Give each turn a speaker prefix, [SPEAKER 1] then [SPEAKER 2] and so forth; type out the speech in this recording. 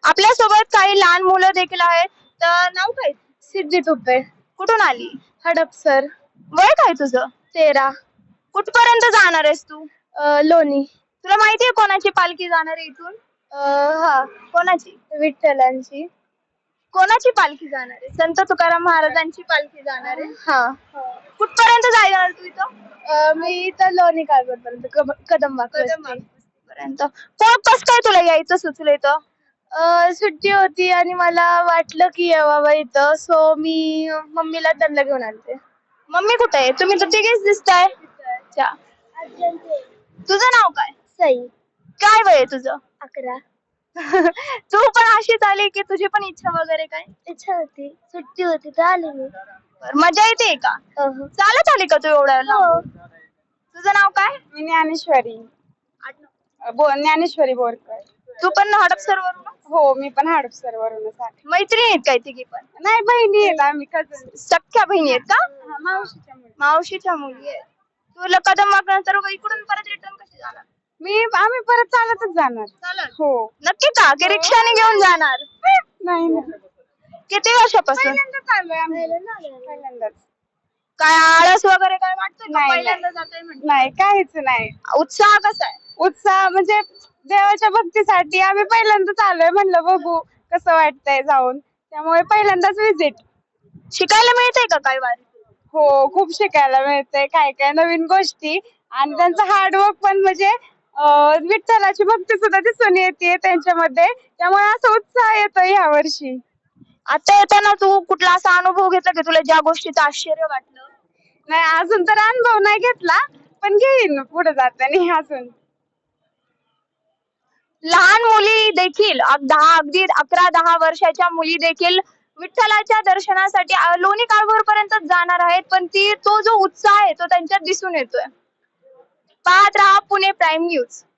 [SPEAKER 1] आपल्यासोबत काही लहान मुलं देखील आहेत. तर नाव काय?
[SPEAKER 2] सिद्धी तुपे.
[SPEAKER 1] कुठून आली?
[SPEAKER 2] हडपसर.
[SPEAKER 1] वय काय तुझं?
[SPEAKER 2] 13.
[SPEAKER 1] कुठपर्यंत जाणार आहेस तू?
[SPEAKER 2] लोणी.
[SPEAKER 1] तुला माहितीये कोणाची पालखी जाणार आहे इथून?
[SPEAKER 2] हा,
[SPEAKER 1] कोणाची?
[SPEAKER 2] विठ्ठलांची.
[SPEAKER 1] कोणाची पालखी जाणार आहे? संत तुकाराम महाराजांची पालखी जाणार आहे.
[SPEAKER 2] हा.
[SPEAKER 1] कुठपर्यंत जाणार तू इथं?
[SPEAKER 2] मी इथं लोणी कालवडपर्यंत कदमबाग
[SPEAKER 1] पर्यंत. कोण कस काय तुला यायचं सुचलं इथं?
[SPEAKER 2] सुट्टी होती आणि मला वाटलं की यावं इथं, सो मी मम्मीला त्यांना घेऊन आलते.
[SPEAKER 1] मम्मी कुठे आहे? तुम्ही तर तिघेच दिसताय. अच्छा. तुझं नाव काय?
[SPEAKER 2] सई.
[SPEAKER 1] काय वय आहे तुझं?
[SPEAKER 2] 11.
[SPEAKER 1] तू पण अशीच आली की तुझी पण इच्छा वगैरे काय?
[SPEAKER 2] इच्छा होती, सुट्टी होती तर आले मी.
[SPEAKER 1] बरं, मजा येते का?
[SPEAKER 2] हो.
[SPEAKER 1] चालत आली का तू एवढ्या लांब? तुझं नाव काय?
[SPEAKER 3] मी ज्ञानेश्वरी. ज्ञानेश्वरी बोरकर.
[SPEAKER 1] तू पण हडपसर वरून?
[SPEAKER 3] हो, मी पण हडपसर वरूनच आले.
[SPEAKER 1] मैत्रिणी आहेत काय तिघी पण?
[SPEAKER 3] नाही, बहिणी आहेत आम्ही, कझन.
[SPEAKER 1] सख्ख्या बहिणी आहेत का?
[SPEAKER 3] मावशीच्या मुली.
[SPEAKER 1] मावशीच्या मुली आहेत. तुला कदम नंतर इकडून परत रिटर्न कशी जाणार?
[SPEAKER 3] आम्ही परत चालतच जाणार.
[SPEAKER 1] चालत?
[SPEAKER 3] हो.
[SPEAKER 1] नक्की का? की रिक्षाने घेऊन जाणार?
[SPEAKER 3] नाही ना.
[SPEAKER 1] किती वर्षापासून?
[SPEAKER 3] पहिल्यांदाच आलोय आम्ही. पहिल्यांदाच.
[SPEAKER 1] काय आळस वगैरे काय वाटतंय का?
[SPEAKER 3] नाही,
[SPEAKER 1] पहिल्यांदा जाताय म्हणजे?
[SPEAKER 3] नाही, काहीच नाही.
[SPEAKER 1] उत्साह कसा आहे?
[SPEAKER 3] उत्साह म्हणजे देवाच्या भक्तीसाठी आम्ही पहिल्यांदाच आलोय, म्हणलं बघू कसं वाटतंय जाऊन. त्यामुळे पहिल्यांदाच विजिट.
[SPEAKER 1] शिकायला मिळतंय का काय वारी?
[SPEAKER 3] हो, खूप शिकायला मिळतंय, काय काय नवीन गोष्टी, आणि त्यांचं हार्डवर्क पण, म्हणजे विठ्ठलाची भक्ती सुद्धा दिसून येते त्यांच्यामध्ये. त्यामुळे असं उत्साह येतोय ह्या वर्षी.
[SPEAKER 1] आता येताना तू कुठला असा अनुभव घेतला की तुला ज्या गोष्टीचं आश्चर्य वाटलं?
[SPEAKER 3] नाही, अजून तर अनुभव नाही घेतला, पण घेईन पुढे जाताना अजून.
[SPEAKER 1] लहान मुली देखील अगदी 11-10 वर्षाच्या मुली देखील विठ्ठलाच्या दर्शनासाठी लोणी काळभोर पर्यंत जाणार आहेत, पण तो जो उत्साह आहे तो त्यांच्यात दिसून येतोय. पाहत राहा पुणे प्राईम न्यूज.